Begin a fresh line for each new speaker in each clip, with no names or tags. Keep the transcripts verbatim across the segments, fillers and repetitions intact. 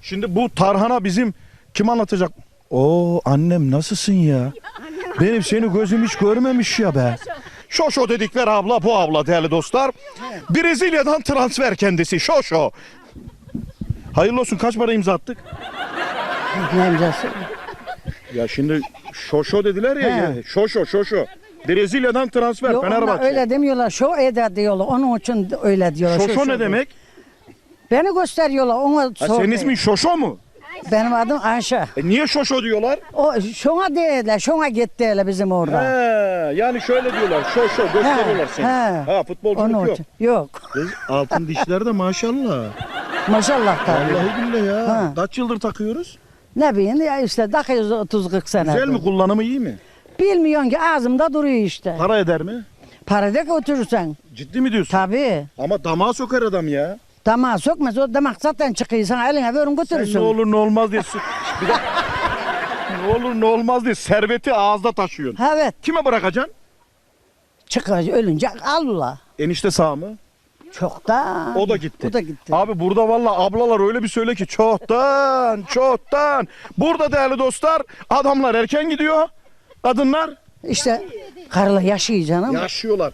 Şimdi bu tarhana bizim kim anlatacak? Oo annem nasılsın ya? Benim seni gözüm hiç görmemiş ya be. Şoşo dedikleri abla bu abla değerli dostlar. Brezilya'dan transfer kendisi Şoşo. Hayırlı olsun, kaç para imza attık?
Ne imzası?
Ya şimdi Şoşo dediler ya, ya. Şoşo Şoşo. Brezilya'dan transfer
Yok,
Fenerbahçe.
öyle demiyorlar. Şo eda diyorlar. Onun için öyle diyorlar.
Şoşo
Şo-
ne
şo-
demek?
Beni gösteriyorlar. Ona
Ha,
sor.
senin ismin Şoşo mu?
Benim adım Ayşe.
E niye Şoşo diyorlar?
O şuna değiller. Şuna gitti hele bizim orada.
He, yani şöyle diyorlar. Şoşo gösteriyorlar seni.
he.
Ha futbolculuk
Onun
yok.
için. Yok.
Kız, altın dişler de maşallah.
Maşallah tabii.
Vallahi billahi ya.
Ha.
Kaç yıldır takıyoruz?
Ne bileyim ya işte takıyoruz otuz kırk sene.
Güzel mi, kullanımı iyi mi?
Bilmiyorsun ki ağzımda duruyor işte.
Para eder mi?
Para da götürürsen.
Ciddi mi diyorsun?
Tabii.
Ama damağa sokar adam ya.
Damağa sokmaz. O damak zaten çıkıyor. Sana eline verin
Sen
götürürsün.
ne olur ne olmaz diye. Bir dakika. Ne olur ne olmaz diye serveti ağızda taşıyorsun.
Evet.
Kime bırakacaksın?
Çıkar ölünce al ula.
Enişte sağ mı?
Çoktan.
O da gitti.
O da gitti.
Abi burada vallahi ablalar öyle bir söyle ki çoktan çoktan. Burada değerli dostlar adamlar erken gidiyor. Kadınlar
İşte karıla yaşıyor canım.
yaşıyorlar.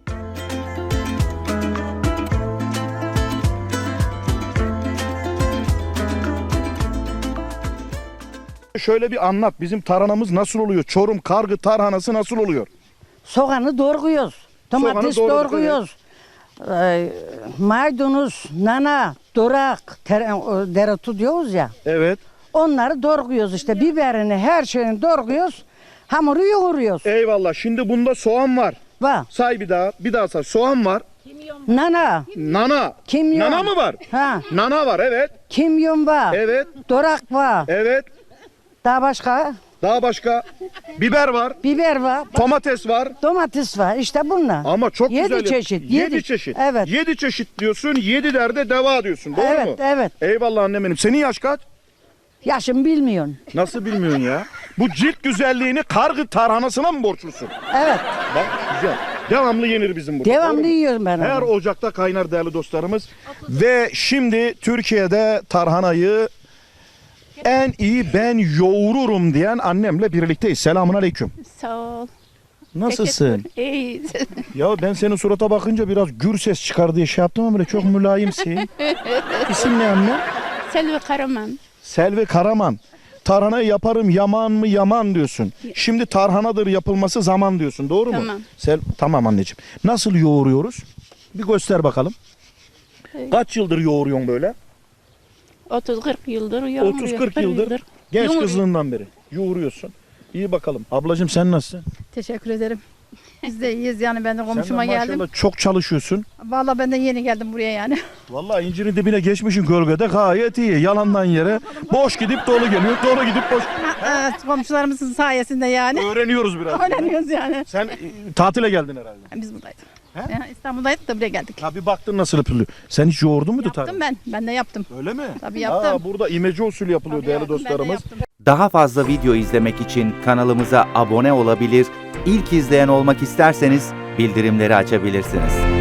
Şöyle bir anlat, bizim tarhanamız nasıl oluyor? Çorum kargı tarhanası nasıl oluyor?
Soğanı doğruyoruz. Domates
Soğanı doğradık,
doğruyoruz. Ee, maydanoz, nana, durak, ter- dereotu diyoruz ya.
Evet.
Onları doğruyoruz işte. Biberini, her şeyini doğruyoruz. Hamuru yoğuruyoruz.
Eyvallah. Şimdi bunda soğan var.
Var.
Say bir daha. Bir daha say. Soğan var.
Nana,
Nana.
kimyon.
Nana mı var?
Ha,
Nana var, evet.
kimyon var.
Evet.
Durak var.
Evet.
Daha başka?
Daha başka. Biber var.
Biber var.
Domates var.
Domates var. İşte bunlar.
Ama çok
Yedi
güzel.
çeşit,
Yedi,
yedi.
çeşit.
Evet.
Yedi çeşit diyorsun. Yedi derde deva diyorsun. Doğru
evet,
mu?
evet.
Eyvallah annem benim. Senin yaş kaç?
Yaşım bilmiyorsun.
Nasıl bilmiyorsun ya? Bu cilt güzelliğini kargı tarhanasına mı borçlusun?
Evet.
Bak güzel. Devamlı yenir bizim burada. doğru
Devamlı
mu?
yiyorum ben
Her
onu.
ocakta kaynar değerli dostlarımız. Ve şimdi Türkiye'de tarhanayı en iyi ben yoğururum diyen annemle birlikteyiz. Selamun aleyküm.
Sağ ol.
Nasılsın?
İyi.
Ya ben senin surata bakınca biraz gür ses çıkar diye şey yaptım ama böyle çok mülayimsin. İsim ne anne?
Selvi Karaman.
Selvi Karaman. Tarhanayı yaparım yaman mı yaman diyorsun. Şimdi tarhanadır yapılması zaman diyorsun. Doğru mu?
Tamam.
Sel tamam anneciğim. Nasıl yoğuruyoruz? Bir göster bakalım. Kaç yıldır yoğuruyorsun böyle?
otuz kırk yıldır yoğuruyor.
otuz kırk yıldır. Genç
Yoğuruyor.
kızlığından beri yoğuruyorsun. İyi bakalım. Ablacığım sen nasılsın?
Teşekkür ederim. Biz de iyiyiz yani ben de
Sen de
komşuma geldim.
maşallah çok çalışıyorsun.
Vallahi ben de yeni geldim buraya yani.
Vallahi incirin dibine geçmişin gölgede gayet iyi. Yalandan yere boş gidip dolu geliyor. Dolu gidip boş.
Evet, komşularımızın sayesinde yani.
Öğreniyoruz biraz.
Öğreniyoruz yani.
Sen e, tatile geldin herhalde.
Biz buradaydık.
He?
Yani İstanbul'daydık da buraya geldik.
Ha bir baktın nasıl yapılıyor. Sen hiç yoğurdun muydu
Yaptım
tarhana?
ben. Ben de yaptım.
Öyle mi?
Tabii yaptım.
Aa, burada imece usulü yapılıyor
Tabii
değerli
yaptım, ben de
dostlarımız.
yaptım.
Daha fazla video izlemek için kanalımıza abone olabilir, ilk izleyen olmak isterseniz bildirimleri açabilirsiniz.